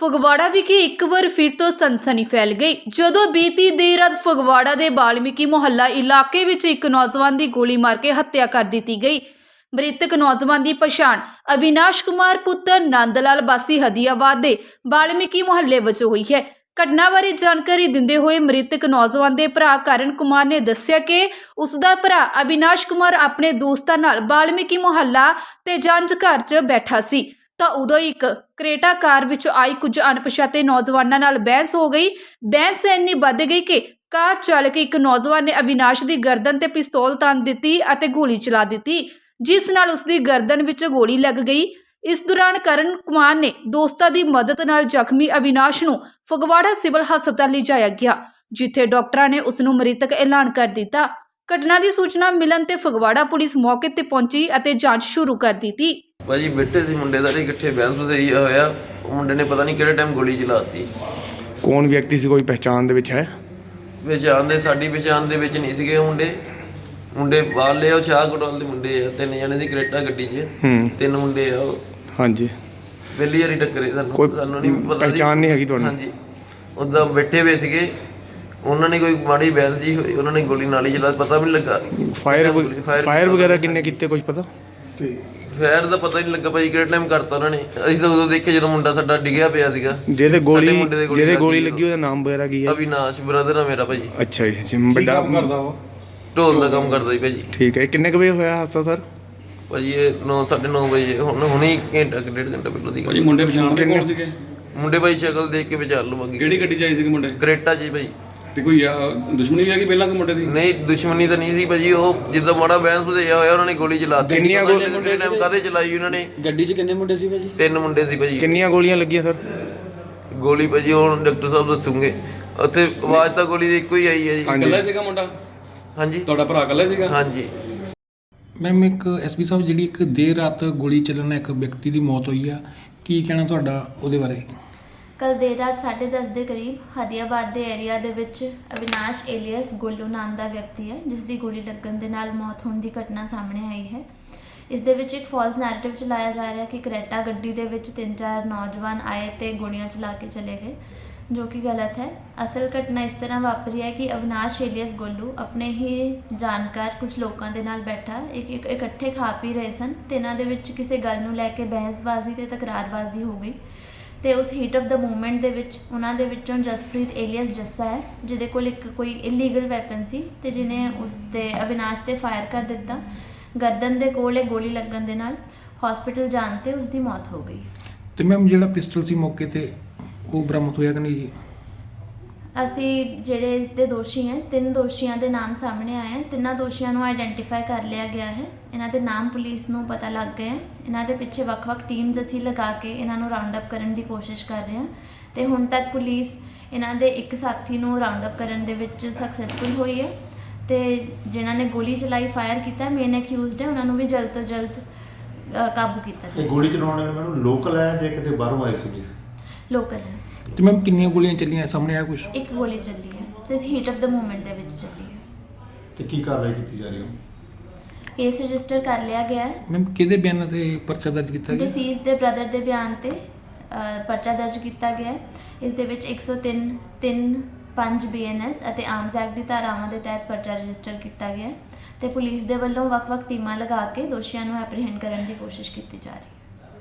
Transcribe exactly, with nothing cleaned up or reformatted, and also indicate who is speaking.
Speaker 1: ਫਗਵਾੜਾ ਵਿਖੇ ਇੱਕ ਵਾਰ ਫਿਰ ਤੋਂ ਸਨਸਨੀ ਫੈਲ ਗਈ ਜਦੋਂ ਬੀਤੀ ਦੇਰ ਰਾਤ ਫਗਵਾੜਾ ਦੇ ਬਾਲਮੀਕੀ ਮੁਹੱਲਾ ਇਲਾਕੇ ਵਿੱਚ ਇੱਕ ਨੌਜਵਾਨ ਦੀ ਗੋਲੀ ਮਾਰ ਕੇ ਹੱਤਿਆ ਕਰ ਦਿੱਤੀ ਗਈ। ਮ੍ਰਿਤਕ ਨੌਜਵਾਨ ਦੀ ਪਛਾਣ ਅਵਿਨਾਸ਼ ਕੁਮਾਰ ਪੁੱਤਰ ਨੰਦ ਲਾਲ ਵਾਸੀ ਹਦੀਆਬਾਦ ਦੇ ਬਾਲਮੀਕੀ ਮੁਹੱਲੇ ਵਜੋਂ ਹੋਈ ਹੈ। ਘਟਨਾ ਬਾਰੇ ਜਾਣਕਾਰੀ ਦਿੰਦੇ ਹੋਏ ਮ੍ਰਿਤਕ ਨੌਜਵਾਨ ਦੇ ਭਰਾ ਕਰਨ ਕੁਮਾਰ ਨੇ ਦੱਸਿਆ ਕਿ ਉਸ ਦਾ ਭਰਾ ਅਵਿਨਾਸ਼ ਕੁਮਾਰ ਆਪਣੇ ਦੋਸਤਾਂ ਨਾਲ ਬਾਲਮੀਕੀ ਮੁਹੱਲਾ ਤੇ ਜੰਜ ਘਰ 'ਚ ਬੈਠਾ ਸੀ ਤਾਂ ਉਦੋਂ ਇੱਕ ਕਰੇਟਾ ਕਾਰ ਵਿੱਚ ਆਈ ਕੁਝ ਅਣਪਛਾਤੇ ਨੌਜਵਾਨਾਂ ਨਾਲ ਬਹਿਸ ਹੋ ਗਈ। ਬਹਿਸ ਇੰਨੀ ਵੱਧ ਗਈ ਕਿ ਕਾਰ ਚਾਲਕ ਇੱਕ ਨੌਜਵਾਨ ਨੇ ਅਵਿਨਾਸ਼ ਦੀ ਗਰਦਨ ਤੇ ਪਿਸਤੌਲ ਤਾਣ ਦਿੱਤੀ ਅਤੇ ਗੋਲੀ ਚਲਾ ਦਿੱਤੀ, ਜਿਸ ਨਾਲ ਉਸ ਦੀ ਗਰਦਨ ਵਿੱਚ ਗੋਲੀ ਲੱਗ ਗਈ। ਇਸ ਦੌਰਾਨ ਕਰਨ ਕੁਮਾਰ ਨੇ ਦੋਸਤਾਂ ਦੀ ਮਦਦ ਨਾਲ ਜ਼ਖਮੀ ਅਵਿਨਾਸ਼ ਨੂੰ ਫਗਵਾੜਾ ਸਿਵਲ ਹਸਪਤਾਲ ਲਿਜਾਇਆ ਗਿਆ, ਜਿੱਥੇ ਡਾਕਟਰਾਂ ਨੇ ਉਸ ਨੂੰ ਮ੍ਰਿਤਕ ਐਲਾਨ ਕਰ ਦਿੱਤਾ। ਘਟਨਾ ਦੀ ਸੂਚਨਾ ਮਿਲਣ ਤੇ ਫਗਵਾੜਾ ਪੁਲਿਸ ਮੌਕੇ ਤੇ ਪਹੁੰਚੀ ਅਤੇ ਜਾਂਚ ਸ਼ੁਰੂ ਕਰ ਦਿੱਤੀ।
Speaker 2: ਭਾਜੀ ਬੇਟੇ ਸੀ ਮੁੰਡੇ ਦਾ ਇਕੱਠੇ ਬਹਿਸ ਬਸਈ ਹੋਇਆ, ਉਹ ਮੁੰਡੇ ਨੇ ਪਤਾ ਨਹੀਂ ਕਿਹੜੇ ਟਾਈਮ ਗੋਲੀ ਚਲਾਤੀ।
Speaker 3: ਕੌਣ ਵਿਅਕਤੀ ਸੀ, ਕੋਈ ਪਹਿਚਾਣ ਦੇ ਵਿੱਚ ਹੈ?
Speaker 2: ਪਹਿਚਾਣ ਦੇ ਸਾਡੀ ਪਹਿਚਾਣ ਦੇ ਵਿੱਚ ਨਹੀਂ ਸੀਗੇ ਮੁੰਡੇ ਮੁੰਡੇ ਬਾਹਰਲੇ ਉਹ ਸ਼ਾਹ ਕੋਟਵਾਲ ਦੇ ਮੁੰਡੇ ਆ, ਤਿੰਨ ਜਣੇ ਦੀ ਕਰੇਟਾ ਗੱਡੀ 'ਚ
Speaker 3: ਹੂੰ
Speaker 2: ਤਿੰਨ ਮੁੰਡੇ ਆ ਉਹ।
Speaker 3: ਹਾਂਜੀ,
Speaker 2: ਪਹਿਲੀ ਵਾਰੀ ਟੱਕਰੇ ਸਾਨੂੰ,
Speaker 3: ਕੋਈ
Speaker 2: ਸਾਨੂੰ ਨਹੀਂ ਪਤਾ
Speaker 3: ਪਹਿਚਾਣ ਨਹੀਂ ਹੈਗੀ ਤੁਹਾਨੂੰ?
Speaker 2: ਹਾਂਜੀ, ਉੱਦਾਂ ਬੈਠੇ ਹੋਏ ਸੀਗੇ, ਉਹਨਾਂ ਨੇ ਕੋਈ ਮਾੜੀ ਬਹਿਸ ਜੀ ਹੋਈ, ਉਹਨਾਂ ਨੇ ਗੋਲੀ ਨਾਲ ਹੀ ਚਲਾ, ਪਤਾ ਵੀ ਨਹੀਂ ਲੱਗਾ।
Speaker 3: ਫਾਇਰ ਫਾਇਰ ਵਗੈਰਾ ਕਿੰਨੇ ਕੀਤੇ ਕੁਝ ਪਤਾ?
Speaker 2: ਫਾਇਰ ਦਾ ਪਤਾ ਹੀ ਨਹੀਂ ਲੱਗਾ ਭਾਜੀ ਕਿਹੜੇ ਟਾਈਮ ਕਰਤਾ ਉਹਨਾਂ ਨੇ। ਅਸੀਂ ਤਾਂ ਉਦੋਂ ਦੇਖਿਆ ਜਦੋਂ ਮੁੰਡਾ ਸਾਡਾ ਡਿੱਗਿਆ ਪਿਆ ਸੀਗਾ।
Speaker 3: ਜਿਹਦੇ ਗੋਲੀ
Speaker 2: ਜਿਹਦੇ
Speaker 3: ਜਿਹਦੇ ਗੋਲੀ ਲੱਗੀ ਉਹਦਾ ਨਾਮ ਵਗੈਰਾ ਕੀ ਹੈ?
Speaker 2: ਅਵਿਨਾਸ਼ ਬ੍ਰਦਰ ਆ ਮੇਰਾ ਭਾਜੀ।
Speaker 3: ਅੱਛਾ ਜੀ, ਜਿਮ ਵੱਡਾ ਕਰਦਾ ਉਹ?
Speaker 2: ਢੋਲ ਦਾ ਕੰਮ ਕਰਦਾ ਜੀ ਭਾਜੀ।
Speaker 3: ਠੀਕ ਹੈ, ਕਿੰਨੇ ਕੁ ਵਜੇ ਹੋਇਆ ਹਾਦਸਾ ਸਰ?
Speaker 2: ਭਾਜੀ ਇਹ ਨੌ ਸਾਢੇ ਨੌ ਵਜੇ, ਹੁਣ ਹੁਣੇ ਘੰਟਾ ਕਿ ਡੇਢ ਘੰਟਾ ਪਹਿਲਾਂ ਦੀ।
Speaker 4: ਭਾਜੀ ਮੁੰਡੇ ਪਛਾਣਦੇ ਕੌਣ ਸੀਗੇ?
Speaker 2: ਮੁੰਡੇ ਭਾਈ ਸ਼ਕਲ ਦੇਖ ਕੇ ਵਿਚਾਰ ਲਵਾਂਗੇ।
Speaker 4: ਕਿਹੜੀ ਗੱਡੀ 'ਚ ਆਏ ਸੀਗੇ ਮੁੰਡੇ?
Speaker 2: ਕਰੇਟਾ ਜੀ ਭਾਈ।
Speaker 4: ਤੇ ਕੋਈ ਆ, ਦੁਸ਼ਮਣੀ ਵੀ ਹੈਗੀ ਪਹਿਲਾਂ ਕਿ ਮੁੰਡੇ ਦੀ?
Speaker 2: ਨਹੀਂ ਦੁਸ਼ਮਣੀ ਤਾਂ ਨਹੀਂ ਸੀ ਭਾਜੀ, ਉਹ ਜਿੱਦਾਂ ਮਾੜਾ ਬੈਂਸ ਭਜਿਆ ਹੋਇਆ ਉਹਨਾਂ ਨੇ ਗੋਲੀ ਚਲਾਤੀ।
Speaker 3: ਕਿੰਨੀਆਂ
Speaker 2: ਗੋਲੀਆਂ ਟਾਈਮ ਕਾਹਦੇ ਚਲਾਈ ਉਹਨਾਂ ਨੇ?
Speaker 4: ਗੱਡੀ 'ਚ ਕਿੰਨੇ ਮੁੰਡੇ ਸੀ ਭਾਜੀ?
Speaker 2: ਤਿੰਨ ਮੁੰਡੇ ਸੀ ਭਾਜੀ।
Speaker 3: ਕਿੰਨੀਆਂ ਗੋਲੀਆਂ ਲੱਗੀਆਂ ਸਰ?
Speaker 2: ਗੋਲੀ ਭਾਜੀ ਹੁਣ ਡਾਕਟਰ ਸਾਹਿਬ ਦੱਸੂਗੇ, ਉੱਥੇ ਆਵਾਜ਼ ਤਾਂ ਗੋਲੀ ਦੀ ਇੱਕੋ ਹੀ ਆਈ ਹੈ ਜੀ।
Speaker 4: ਇਕੱਲਾ ਸੀਗਾ ਮੁੰਡਾ?
Speaker 2: ਹਾਂਜੀ,
Speaker 4: ਤੁਹਾਡਾ ਭਰਾ ਇਕੱਲਾ ਸੀਗਾ?
Speaker 2: ਹਾਂਜੀ।
Speaker 5: ਮੈਮ ਇੱਕ ਐਸਪੀ ਸਾਹਿਬ, ਜਿਹੜੀ ਇੱਕ ਦੇਰ ਰਾਤ ਗੋਲੀ ਚੱਲਣ ਨਾਲ ਇੱਕ ਵਿਅਕਤੀ ਦੀ ਮੌਤ ਹੋਈ ਆ, ਕੀ ਕਹਿਣਾ ਤੁਹਾਡਾ ਉਹਦੇ ਬਾਰੇ?
Speaker 6: ਕੱਲ ਦੇਰ ਰਾਤ ਸਾਢੇ ਦਸ ਦੇ ਕਰੀਬ ਹਦੀਆਬਾਦ ਦੇ ਏਰੀਆ ਦੇ ਵਿੱਚ ਅਵਿਨਾਸ਼ ਏਲੀਅਸ ਗੋਲੂ ਨਾਮ ਦਾ ਵਿਅਕਤੀ ਹੈ, ਜਿਸ ਦੀ ਗੋਲੀ ਲੱਗਣ ਦੇ ਨਾਲ ਮੌਤ ਹੋਣ ਦੀ ਘਟਨਾ ਸਾਹਮਣੇ ਆਈ ਹੈ। ਇਸ ਦੇ ਵਿੱਚ ਇੱਕ ਫਾਲਸ ਨੈਰੇਟਿਵ ਚਲਾਇਆ ਜਾ ਰਿਹਾ ਕਿ ਕਰੇਟਾ ਗੱਡੀ ਦੇ ਵਿੱਚ ਤਿੰਨ ਚਾਰ ਨੌਜਵਾਨ ਆਏ ਤੇ ਗੋਲੀਆਂ ਚਲਾ ਕੇ ਚਲੇ ਗਏ, ਜੋ ਕਿ ਗਲਤ ਹੈ। ਅਸਲ ਘਟਨਾ ਇਸ ਤਰ੍ਹਾਂ ਵਾਪਰੀ ਹੈ ਕਿ ਅਵਿਨਾਸ਼ ਏਲੀਅਸ ਗੋਲੂ ਆਪਣੇ ਹੀ ਜਾਣਕਾਰ ਕੁਝ ਲੋਕਾਂ ਦੇ ਨਾਲ ਬੈਠਾ ਇੱਕ ਇੱਕ ਇਕੱਠੇ ਖਾ ਪੀ ਰਹੇ ਸਨ ਤੇ ਇਹਨਾਂ ਦੇ ਵਿੱਚ ਕਿਸੇ ਗੱਲ ਨੂੰ ਲੈ ਕੇ ਬਹਿਸਬਾਜ਼ੀ ਤੇ ਤਕਰਾਰਬਾਜ਼ੀ ਹੋ ਗਈ ਤੇ ਉਸ ਹੀਟ ਆਫ ਦਾ ਮੂਵਮੈਂਟ ਦੇ ਵਿੱਚ ਉਹਨਾਂ ਦੇ ਵਿੱਚੋਂ ਜਸਪ੍ਰੀਤ ਏਲੀਅਸ ਜੱਸਾ ਹੈ, ਜਿਹਦੇ ਕੋਲ ਇੱਕ ਕੋਈ ਇਲੀਗਲ ਵੈਪਨ ਸੀ ਤੇ ਜਿਹਨੇ ਉਸ 'ਤੇ ਅਵਿਨਾਸ਼ 'ਤੇ ਫਾਇਰ ਕਰ ਦਿੱਤਾ। ਗਰਦਨ ਦੇ ਕੋਲ ਇਹ ਗੋਲੀ ਲੱਗਣ ਦੇ ਨਾਲ ਹਸਪੀਟਲ ਜਾਣ 'ਤੇ ਉਸ ਦੀ ਮੌਤ ਹੋ ਗਈ।
Speaker 5: ਤੇ ਮੈਮ ਜਿਹੜਾ ਪਿਸਟਲ ਸੀ ਮੌਕੇ ਤੇ ਉਹ ਬਰਾਮਦ ਹੋਇਆ ਕਿ ਨਹੀਂ ਜੀ?
Speaker 6: ਅਸੀਂ ਜਿਹੜੇ ਇਸ ਦੇ ਦੋਸ਼ੀ ਹੈ, ਤਿੰਨ ਦੋਸ਼ੀਆਂ ਦੇ ਨਾਮ ਸਾਹਮਣੇ ਆਏ ਹਨ। ਤਿੰਨਾਂ ਦੋਸ਼ੀਆਂ ਨੂੰ ਆਈਡੈਂਟੀਫਾਈ ਕਰ ਲਿਆ ਗਿਆ ਹੈ। ਇਹਨਾਂ ਦੇ ਨਾਮ ਪੁਲਿਸ ਨੂੰ ਪਤਾ ਲੱਗ ਗਏ ਹੈ। ਇਹਨਾਂ ਦੇ ਪਿੱਛੇ ਵੱਖ-ਵੱਖ ਟੀਮਸ ਅਸੀਂ ਲਗਾ ਕੇ ਇਹਨਾਂ ਨੂੰ ਰਾਉਂਡ ਅਪ ਕਰਨ ਦੀ ਕੋਸ਼ਿਸ਼ ਕਰ ਰਹੇ ਹਾਂ ਤੇ ਹੁਣ ਤੱਕ ਪੁਲਿਸ ਇਹਨਾਂ ਦੇ ਇੱਕ ਸਾਥੀ ਨੂੰ ਰਾਉਂਡ ਅਪ ਕਰਨ ਦੇ ਵਿੱਚ ਸਕਸੈਸਫੁਲ ਹੋਈ ਹੈ ਤੇ ਜਿਨ੍ਹਾਂ ਨੇ ਗੋਲੀ ਚਲਾਈ, ਫਾਇਰ ਕੀਤਾ, ਮੇਨ ਅਕਿਊਜ਼ਡ ਹੈ, ਉਹਨਾਂ ਨੂੰ ਵੀ ਜਲਦ ਤੋਂ ਜਲਦ ਅ, ਕਾਬੂ ਕੀਤਾ ਜਾਵੇ।
Speaker 7: ਗੋਲੀ ਚਲਾਉਣ ਵਾਲੇ ਮੈਨੂੰ ਲੋਕਲ ਹੈ ਜਾਂ ਕਿਤੇ ਬਾਹਰੋਂ ਆਏ ਸੀਗੇ?
Speaker 6: ਲੋਕਲ ਹੈ।
Speaker 5: ਤੇ ਮੈਮ ਕਿੰਨੀਆਂ ਗੋਲੀਆਂ ਚੱਲੀਆਂ ਸਾਹਮਣੇ ਆਇਆ ਕੁਝ?
Speaker 6: ਇੱਕ ਗੋਲੀ ਚੱਲੀ ਹੈ ਤੇ ਹੀਟ ਆਫ ਦਾ ਮੂਵਮੈਂਟ ਦੇ ਵਿੱਚ ਚੱਲੀ ਹੈ।
Speaker 7: ਤੇ ਕੀ ਕਾਰਵਾਈ ਕੀਤੀ ਜਾ ਰਹੀ ਹੈ?
Speaker 6: ਕੇਸ ਰਜਿਸਟਰ ਕਰ ਲਿਆ ਗਿਆ ਹੈ।
Speaker 5: ਮੈਮ ਕਿਹਦੇ ਬਿਆਨਾਂ ਤੇ ਪਰਚਾ ਦਰਜ ਕੀਤਾ ਗਿਆ?
Speaker 6: ਡਿਸੀਜ਼ ਦੇ ਬ੍ਰਦਰ ਦੇ ਬਿਆਨ ਤੇ ਅ, ਪਰਚਾ ਦਰਜ ਕੀਤਾ ਗਿਆ ਹੈ। ਇਸ ਦੇ ਵਿੱਚ ਇੱਕ ਸੌ ਤਿੰਨ ਤਿੰਨ ਪੰਜ ਬੀ ਐਨ ਐਸ ਅਤੇ ਆਰਮਜ਼ ਐਕਟ ਦੀ ਧਾਰਾਵਾਂ ਦੇ ਤਹਿਤ ਪਰਚਾ ਰਜਿਸਟਰ ਕੀਤਾ ਗਿਆ ਹੈ ਤੇ ਪੁਲਿਸ ਦੇ ਵੱਲੋਂ ਵੱਖ-ਵੱਖ ਟੀਮਾਂ ਲਗਾ ਕੇ ਦੋਸ਼ੀਆਂ ਨੂੰ ਐਪਰੀਹੈਂਡ ਕਰਨ ਦੀ ਕੋਸ਼ਿਸ਼ ਕੀਤੀ ਜਾ ਰਹੀ ਹੈ।